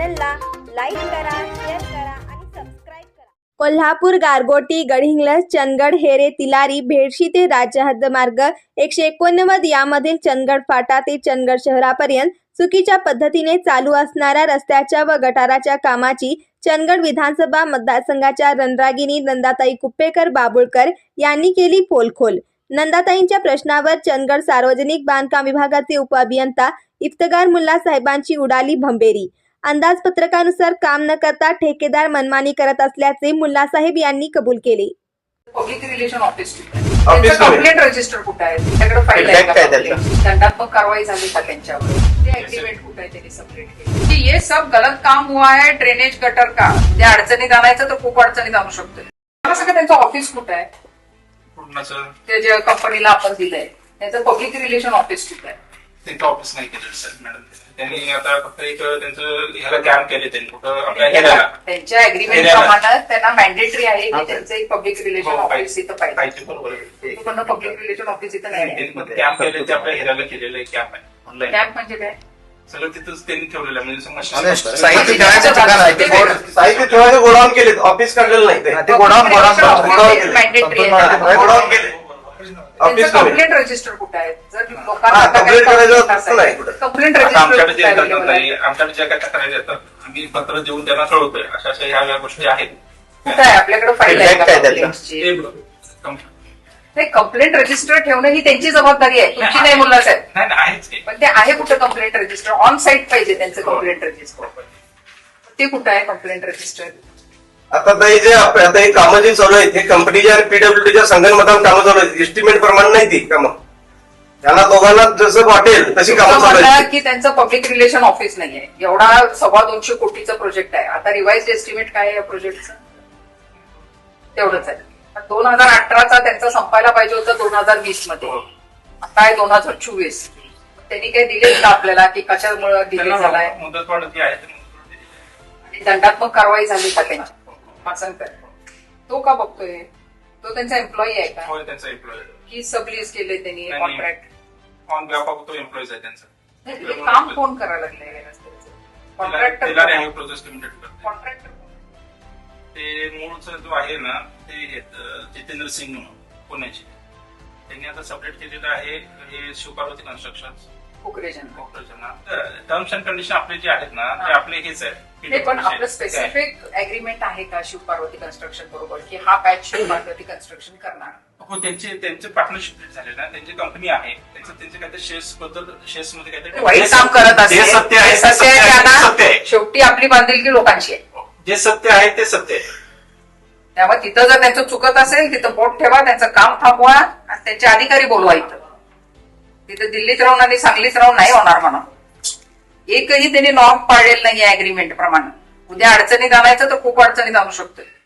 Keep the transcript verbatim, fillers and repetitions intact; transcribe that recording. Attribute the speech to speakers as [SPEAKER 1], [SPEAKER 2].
[SPEAKER 1] चॅनलला लाईक करा, शेअर करा आणि सबस्क्राईब करा. कोल्हापूर, गारगोटी, गडहिंग्लज, चंदगड, हेरे, तिलारी, भेडशी ते राज्य हद्दमार्ग एकशे एकोणनव्वद यामधील चंदगड फाटा ते चंदगड शहरापर्यंत चुकीच्या पद्धतीने चालू असणाऱ्या रस्त्याच्या व गटाराच्या कामाची चंदगड विधानसभा मतदारसंघाच्या रणरागिणी नंदाताई कुप्पेकर बाबुळकर यांनी केली पोलखोल. नंदाताईंच्या प्रश्नावर चंदगड सार्वजनिक बांधकाम विभागाचे उपअभियंता इफ्तिकार मुल्ला साहेबांची उडाली भंबेरी. अंदाजपत्रकानुसार काम न करता ठेकेदार मनमानी करत असल्याचे मुल्ला साहेब यांनी कबूल केले.
[SPEAKER 2] Public relation office complaint register कुठे आहे? त्याच्याकडे फाईल आहे का? दंडात्मक कारवाई झाली का त्यांच्यावर? ते अग्रीमेंट कुठे आहे त्यांनी सबमिट केली? ये सब गलत काम हुआ है ड्रेनेज गटर का. त्या अडचणीत आणायचं तर खूप अडचणीत आणू शकतो. मला सगळं त्यांचं ऑफिस कुठे आहे? ते जे कंपनीला आपण दिलंय त्यांचं पब्लिक रिलेशन ऑफिस कुठे आहे?
[SPEAKER 3] त्यांचं ऑफिस नाही केलं सर मॅडम. त्यांनी आता फक्त एक त्यांचं ह्याला कॅम्प केले त्यांनी कुठं आपल्या ह्याला
[SPEAKER 2] त्यांच्या अग्रीमेंट प्रमाणे त्यांना मॅन्डेटरी आहे की त्यांचं एक पब्लिक रिलेशन ऑफिस इथं पाहिजे. बरोबर पब्लिक रिलेशन ऑफिस इथं नाही.
[SPEAKER 3] कॅम्प केले ते आपल्या ह्याला केलेलं एक कॅम्प आहे ऑनलाईन.
[SPEAKER 2] कॅम्प म्हणजे काय?
[SPEAKER 3] सगळं तिथंच त्यांनी ठेवलेलं आहे. म्हणजे
[SPEAKER 4] साहित्य ठेवायचं ठिकाण आहे ते. साहित्य ठेवायचं गोडाऊन केले, ऑफिस काढलेलं नाही ते. गोडाऊन गोडाऊन
[SPEAKER 2] मॅन्डेटरी आहे.
[SPEAKER 4] गोडाऊन केले.
[SPEAKER 2] कंप्लेंट रजिस्टर कुठे आहे? जर लोकांना
[SPEAKER 4] कंप्लेंट करायचं नाही कुठे.
[SPEAKER 2] कंप्लेंट
[SPEAKER 3] आमच्याकडे जे
[SPEAKER 2] रजिस्टर
[SPEAKER 3] आमच्याकडे ज्या काय तक्रारी येतात आम्ही पत्र देऊन त्यांना कळवतोय. अशा अशा ह्या गोष्टी आहेत.
[SPEAKER 2] कुठे आहे? आपल्याकडे फाईल आहे का complaintsची?
[SPEAKER 3] ते
[SPEAKER 2] कंप्लेंट रजिस्टर ठेवणं ही त्यांची जबाबदारी आहे, तुमची नाही मुल्ला साहेब.
[SPEAKER 3] नाही नाही आहेच की.
[SPEAKER 2] पण ते आहे कुठं कंप्लेंट रजिस्टर? ऑन साईट पाहिजे त्यांचं कंप्लेंट रजिस्टर. ते कुठं आहे कंप्लेंट रजिस्टर?
[SPEAKER 4] आता ते जे आप- आता हे कामं जे चालू आहेत हे कंपनीच्या पीडब्ल्यूडीच्या संगणमतानं कामं चालू आहेत. एस्टिमेट प्रमाणे नाही ती कामं. त्यांना दोघांना जसं वाटेल तशी कामं चालू
[SPEAKER 2] म्हणलं
[SPEAKER 4] आहेत.
[SPEAKER 2] की त्यांचं पब्लिक रिलेशन ऑफिस नाहीये. एवढा सव्वा दोनशे कोटीचा प्रोजेक्ट आहे. आता रिवाइज एस्टिमेट काय आहे या प्रोजेक्टचं? तेवढंच आहे. दोन हजार अठराचा त्यांचा संपायला पाहिजे होतं दोन हजार वीस मध्ये. आता आहे दोन हजार चोवीस. त्यांनी काही दिले का आपल्याला की कशामुळे डिले झालाय?
[SPEAKER 3] मुदत वाढ जी आहे
[SPEAKER 2] आणि दंडात्मक कारवाई झाली का त्यांची? असं काय तो का बघतोय? तो त्यांचा एम्प्लॉई आहे का?
[SPEAKER 3] होय त्यांचा एम्प्लॉय
[SPEAKER 2] की सबलीज केले त्यांनी
[SPEAKER 3] नाही,
[SPEAKER 2] कॉन्ट्रॅक्ट?
[SPEAKER 3] ऑन बेहाफ ऑफ तो एम्प्लॉईज आहे त्यांचा.
[SPEAKER 2] नाही, हे काम कोण करायला लागलंय या रस्त्याचं? कॉन्ट्रॅक्टर
[SPEAKER 3] प्रोजेक्ट लिमिटेड करते.
[SPEAKER 2] कॉन्ट्रॅक्टर
[SPEAKER 3] ते मूळचा जो आहे ना ते आहेत, जितेंद्र सिंग म्हणून पुण्याचे. त्यांनी आता सबलेट केलेलं आहे हे शिवपार्वती कन्स्ट्रक्शन
[SPEAKER 2] कुकरेजन.
[SPEAKER 3] टर्म्स अँड कंडिशन आपले जे आहेत ना ते आपले हेच आहे.
[SPEAKER 2] हे पण आपलं स्पेसिफिक अग्रीमेंट आहे का शिवपार्वती कन्स्ट्रक्शन बरोबर की हा पॅच शिवपार्वती कन्स्ट्रक्शन करणार?
[SPEAKER 3] हो त्यांचे त्यांचे पार्टनरशिप झाले ना. त्यांची कंपनी आहे. त्यांचं त्यांचे काहीतरी शेअर्स बद्दल शेअर्स मध्ये काहीतरी
[SPEAKER 2] वाईट काम करत
[SPEAKER 3] जे
[SPEAKER 2] असेल
[SPEAKER 3] सत्य आहे,
[SPEAKER 2] सत्य
[SPEAKER 3] सत्य
[SPEAKER 2] आहे
[SPEAKER 3] आहे,
[SPEAKER 2] त्यांना.
[SPEAKER 3] सत्य आहे.
[SPEAKER 2] शेवटी आपली बांधिलकी लोकांची आहे.
[SPEAKER 3] जे सत्य आहे ते सत्य आहे.
[SPEAKER 2] त्यामुळे तिथं जर त्यांचं चुकत असेल तिथं बोट ठेवा, त्यांचं काम थांबवा आणि त्यांचे अधिकारी बोलवा. इथं तिथं दिल्लीत राहून आणि सांगलीत राहून नाही होणार म्हणून. एकही त्यांनी नॉर्म पाळलेला नाहीये अग्रीमेंट प्रमाणे. उद्या अडचणीत आणायचं तर खूप अडचणीत आणू शकतोय.